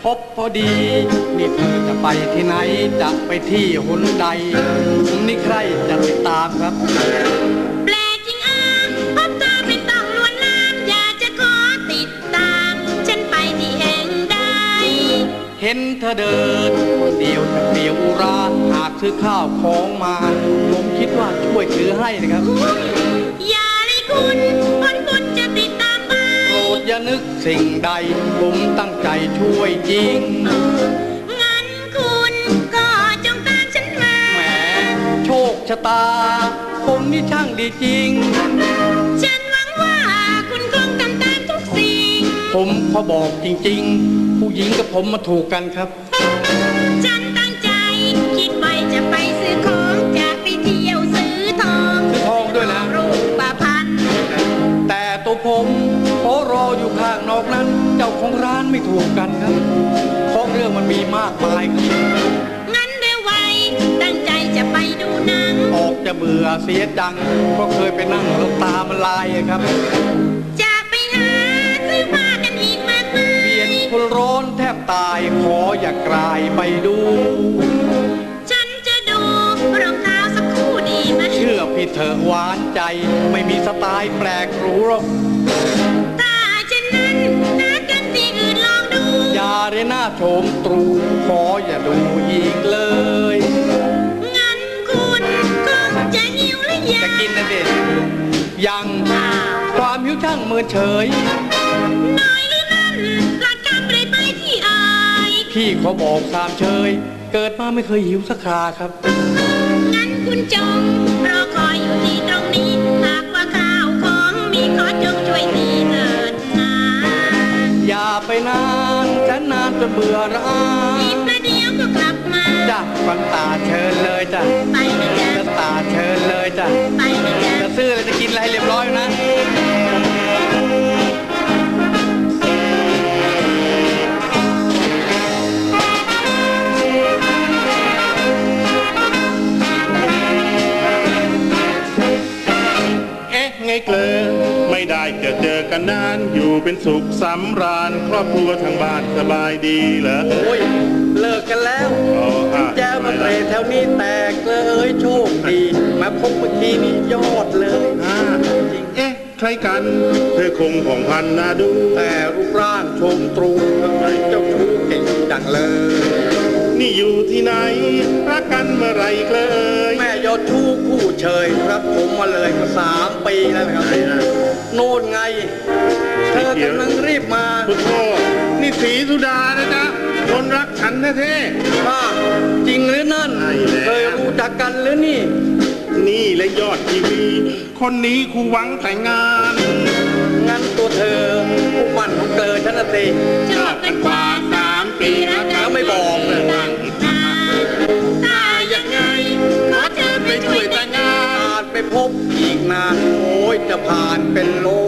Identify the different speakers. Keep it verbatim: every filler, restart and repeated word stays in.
Speaker 1: บพอดีนี่เธอจะไปที่ไหนจะไปที่หนใดนี่ใครจะติดตามครับ
Speaker 2: แปลกจริงอ่ะพบเธอไม่ต้องลวนลามอยากจะขอติดตามฉันไปที่แห่งใด
Speaker 1: เห็นเธอเดินเดียวจะเปลี่ยวอุราหากซื้อข้าวของมาผมคิดว่าช่วยถือให้นะครับ
Speaker 2: อย่าเลยคุณคนคุณจะติดตามไป
Speaker 1: โปรดอย่านึกสิ่งใดผมตั้งใจช่วยจริง
Speaker 2: งั้นคุณก็จงตามฉันมา
Speaker 1: แหมโชคชะตาผมนี่ช่างดีจริง
Speaker 2: ฉันหวังว่าคุณคงทำตามทุกสิ่ง
Speaker 1: ผมขอบอกจริงๆผู้หญิงกับผมมาถูกกันครับ
Speaker 2: ฉันตั้งใจคิดไว้จะไปซื้อของจะไปเที่ยวซื้อทอง
Speaker 1: ซื้อทองด้วยนะ
Speaker 2: รูปพันธ์
Speaker 1: แต่ตัวผมขอรออยู่ข้างนอกนั้นเจ้าของร้านไม่ถูกกันครับเพราะเรื่องมันมีมากมายครับ
Speaker 2: งั้นเร็วไวตั้งใจจะไปดูหนัง
Speaker 1: ออกจะเบื่อเสียจังเพราะเคยไปนั่งแล้วตามันลายครับ
Speaker 2: จะไปหาซื้อผ้ากันอีกมากมาย
Speaker 1: เปลี่ยนคนร้อนแทบตายขออย่ากลายไปดู
Speaker 2: ฉันจะดูรองเท้าสักคู่ดีไหม
Speaker 1: เชื่อพี่เถอะหวานใจไม่มีสไตล์แปลกหรูหรอก
Speaker 2: ถ้าเช่นนั้นนัดกันที่อื่นลองดู
Speaker 1: อย่าเรหน้าโฉมตรูขออย่าดูอีกเลย
Speaker 2: งั้นคุณคงจะหิวหรือยัง
Speaker 1: จะกินนะเด็กยังความหิวช่างเมินเฉย
Speaker 2: น้อยหรือนั่นหลักการไปไปที่อาย
Speaker 1: พี่ขอบอกตามเชยเกิดมาไม่เคยหิวสักคราครับ
Speaker 2: งั้นคุณจงรอคอยอยู่ที่ตรงนี้หากว่าข้าวของมีขอจงช่วยทีเถิดนะ
Speaker 1: อย่าไปนานฉันนานจนเบื่อร้า
Speaker 2: อีกประเดี๋ยวก็กลับมา
Speaker 1: จ้ะฟันตาเชิญเลยจ้ะ
Speaker 2: ไปนะจ๊ะ
Speaker 1: ตาเชิญเลยจ้ะ
Speaker 2: ไปนะจ๊ะ
Speaker 1: จะซื้ออะไรจะกินอะไรเรียบร้อยนะ
Speaker 3: ไงเกลอไม่ได้จะเจอกันนานอยู่เป็นสุขสำราญครอบครัวทางบ้านสบายดีเหรอ
Speaker 1: โอ้ยเลิกกันแล้วแจ้วมาเตะแถวนี้แตกเลยโชคดีมาพบเมื่อกี้นี่ยอดเลย
Speaker 3: จริงเอ๊ะใครกันเธอคงของพันนาดู
Speaker 1: แต่รูปร่างชมตรูทำไมเจ้าชู้เก่งจังเลย
Speaker 3: นี่อยู่ที่ไหนรักกันเมื่อไรเกลย
Speaker 1: แม่ยอดชู้คู่เชยครับผมมาเลยมาสามปีแล้วนะครับโน่นไงเธอกำลังรีบมา
Speaker 3: พุทโธนี่สีสุดานะจ๊ะคนรักฉันแท้
Speaker 1: ๆค่ะจริงหรือนั่นเคยรู้จักกันหรือนี่
Speaker 3: นี่และยอดทีวีคนนี้ครูหวังแต่งงาน
Speaker 1: งั้นตัวเธอผู้มั่นของเกลอฉันน่ะสิ
Speaker 2: ชอบกันกว่าสามปี
Speaker 1: แล้วไม่บอกเลย
Speaker 2: ถ้าอย่างไงขอเธอไปช่วยแต่งงาน
Speaker 1: อาจไปพบอีกนานโอ้ยจะผ่านเป็นโล